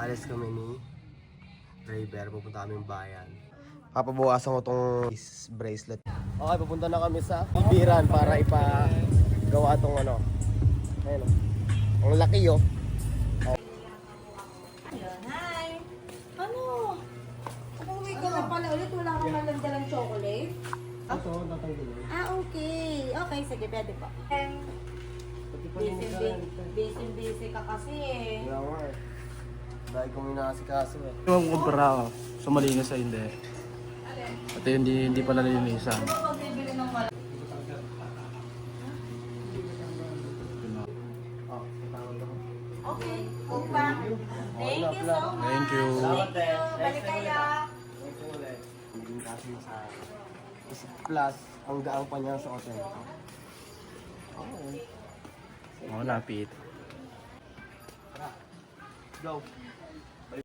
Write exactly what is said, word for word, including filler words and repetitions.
Alis kami ni driver, pupunta kami bayan. Papabawasan ko tong bracelet. Okay, pupunta na kami sa Biran para ipagawa tong ano. Ayun o. Ang laki oh. Ayun, hi! Ano? Umuwi ka na pala ulit, wala kang malandalang chocolate? Ito, tatanggalin. Ah, okay. Okay, sige, pwede po. Busy, busy, busy ka kasi eh. Wala nga eh. Dahil kong inaasikaso eh. Yung kumpara ako, sa malinis sa hindi. At hindi, hindi pala nalinisan. Pagbibili ng wala. Oh, tatawag ako. Okay, upa. Thank you so much. Thank you. Thank you. Balik kayo. Ito ulit. Hindi kasi sa isa plus ang gaang pa niya sa hotel. Okay. Oo, napit. Go.